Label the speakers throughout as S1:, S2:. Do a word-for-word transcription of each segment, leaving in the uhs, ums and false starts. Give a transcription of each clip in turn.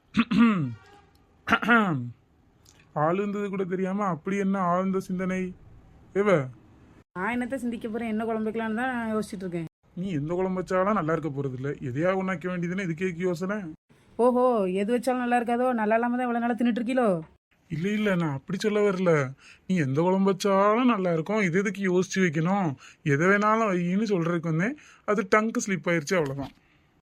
S1: ஆளுந்தது கூட தெரியாம அப்படி என்ன ஆழ்ந்த சிந்தனை ஏவ?
S2: நான் என்னத்த சிந்திக்க போறேன், என்ன குழம்பு வைக்கலான்னு தான் யோசிச்சுட்டு இருக்கேன்.
S1: நீ எந்த குழம்பு வச்சாலும் நல்லா இருக்க போறது இல்ல, எதையா உண்ணாக்க வேண்டியதுன்னு இதுக்கே யோசனை.
S2: ஓஹோ, எது வச்சாலும் நல்லா இருக்காதோ, நல்லா இல்லாம தான் இவ்வளவு நாளா தின்னுட்டு இருக்கீலோ.
S1: இல்ல இல்ல, நான் அப்படி சொல்ல வரல. நீ எந்த குழம்பு வச்சாலும் நல்லா இருக்கும், இது எதுக்கு யோசிச்சு வைக்கணும், எதை வேணாலும் வையின்னு சொல்றதுக்கு வந்தேன். அது டங்கு ஸ்லிப் ஆயிருச்சு, அவ்வளவுதான்.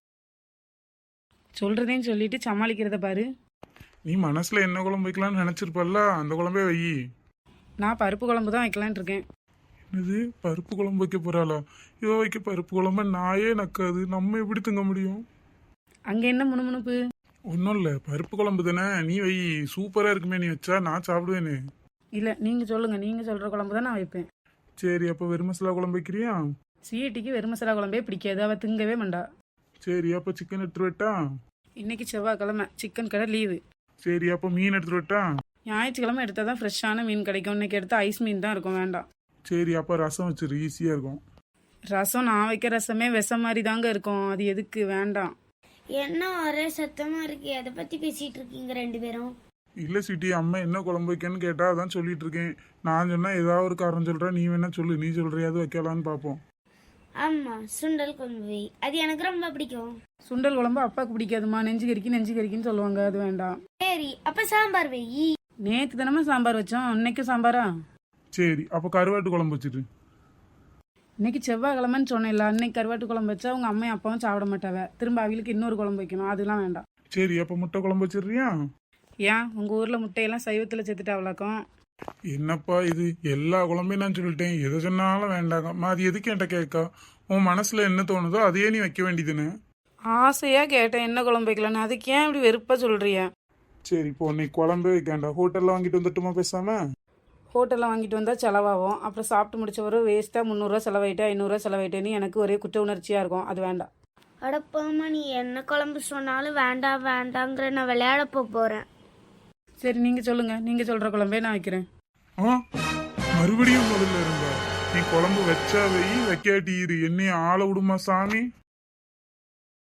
S2: சொல்றதையும் சொல்லிட்டு சமாளிக்கிறத பாரு.
S1: நீ மனசுல என்ன குழம்பு வைக்கலாம்னு நினைச்சிருப்பல்ல, அந்த குழம்பே வை.
S2: நான் பருப்பு குழம்பு தான் வைக்கலான்னு இருக்கேன்.
S1: என்னது, பருப்பு குழம்பு வைக்க போறாளா? இவ வைக்க பருப்பு குழம்பு நாயே நக்காது, நம்ம எப்படி திங்க முடியும்?
S2: அங்க என்ன முணுமுணுப்பு?
S1: ஒன்றும் இல்லை, பருப்பு குழம்பு தானே, நீ வை. சூப்பராக இருக்குமே, நீ வச்சா நான் சாப்பிடுவேனே.
S2: இல்ல, நீங்க சொல்லுங்க, நீங்க சொல்ற குழம்பு தான் நான் வைப்பேன்.
S1: சரி, அப்போ வெறும் மசாலா குழம்பு வைக்கிறியா?
S2: சீட்டிக்கு வெறும் மசாலா குழம்பே பிடிக்காது, அவ திங்கவே மாட்டா.
S1: சரி, அப்போ சிக்கன் எடுத்துட்டு வரட்டா?
S2: இன்னைக்கு செவ்வாய்க்கிழமை, சிக்கன் கடை லீவு.
S1: சரி, அப்போ மீன் எடுத்துட்டு வரட்டா?
S2: ஞாயிற்றுக்கிழமை எடுத்தால் தான் ஃப்ரெஷ்ஷான மீன் கிடைக்கும். இன்னைக்கு எடுத்தால் ஐஸ் மீன் தான் இருக்கும், வேண்டாம்.
S1: சரி, அப்போ ரசம் வச்சிரு, ஈஸியாக இருக்கும்.
S2: ரசம் நான் வைக்க ரசமே விஷம் மாதிரி தாங்க இருக்கும், அது எதுக்கு, வேண்டாம்.
S3: என்ன ஒரே சத்தமா இருக்கு, எதை பத்தி பேசிட்டு இருக்கீங்க ரெண்டு பேரும்?
S1: இல்லை சிட்டி, அம்மா என்ன குழம்பு வைக்கன்னு கேட்டா அதான் சொல்லிட்டு இருக்கேன். நான் சொன்னா ஏதாவது ஒரு காரணம் சொல்கிறேன், நீ வேணா சொல்லு, நீ சொல்கிறியாவது வைக்கலான்னு பார்ப்போம்.
S3: ஆமா, சுண்டல் குழம்பு வை. அது எனக்கு ரொம்ப பிடிக்கும்.
S2: சுண்டல் குழம்பு அப்பாவுக்கு பிடிக்காதுமா, நெஞ்சு கறிக்கு நெஞ்சு கறிக்குன்னு சொல்லுவாங்க, அது வேண்டாம்.
S3: சரி, அப்ப சாம்பார் வை.
S2: நேற்று தினமும் சாம்பார் வச்சோம், இன்னைக்கும் சாம்பாரா?
S1: சரி, அப்போ கருவாட்டு குழம்பு வச்சுட்டு.
S2: இன்னைக்கு செவ்வாய்க்கிழமைன்னு சொன்னேன்ல, அன்னைக்கு கருவாட்டு குழம்பு வச்சா உங்க அம்மையும் அப்பாவும் சாப்பிட மாட்டாவ, திரும்ப அவங்களுக்கு இன்னொரு குழம்பு வைக்கணும், அதெல்லாம் வேண்டாம்.
S1: சரி, அப்போ முட்டை குழம்பு வச்சிடுறியா?
S2: ஏன் உங்க ஊர்ல முட்டையெல்லாம் சைவத்துல செத்துட்டாவளாக்கும்?
S1: என்னப்பா இது, எல்லா குழம்பையும் நான் சொல்லிட்டேன், எதை சொன்னாலும் வேண்டாம். அது எதுக்கு என்கிட்ட கேட்கா? உன் மனசுல என்ன தோணுதோ அதையே நீ வைக்க வேண்டியதுன்னு.
S2: ஆசையா கேட்டேன் என்ன குழம்பு வைக்கலான்னு, அதுக்கு ஏன் இப்படி வெறுப்பா சொல்றிய?
S1: சரி, இப்போ நீ குழம்பே வைக்காண்டா, ஹோட்டல்ல வாங்கிட்டு வந்துட்டுமா பேசாம?
S2: ஹோட்டலில் வாங்கிட்டு வந்தால் செலவாகும், அப்புறம் சாப்பிட்டு முடிச்ச ஒரு வேஸ்ட்டாக முந்நூறுரூவா செலவாயிட்டு ஐநூறுரூவா செலவாயிட்டேன்னு எனக்கு ஒரே குற்ற உணர்ச்சியாக இருக்கும், அது வேண்டாம்.
S3: அடப்பாமா, நீ என்ன குழம்பு சொன்னாலும் வேண்டாம் வேண்டாங்கிற, நான் விளையாட போறேன்.
S2: சரி, நீங்கள் சொல்லுங்கள், நீங்கள் சொல்கிற குழம்பே நான் வைக்கிறேன்.
S1: ஆ, மறுபடியும் முதல்ல இருந்தா? நீ குழம்பு வச்சா வை, வைக்காட்டி இரு, என்னைய ஆள விடுமா சாமி.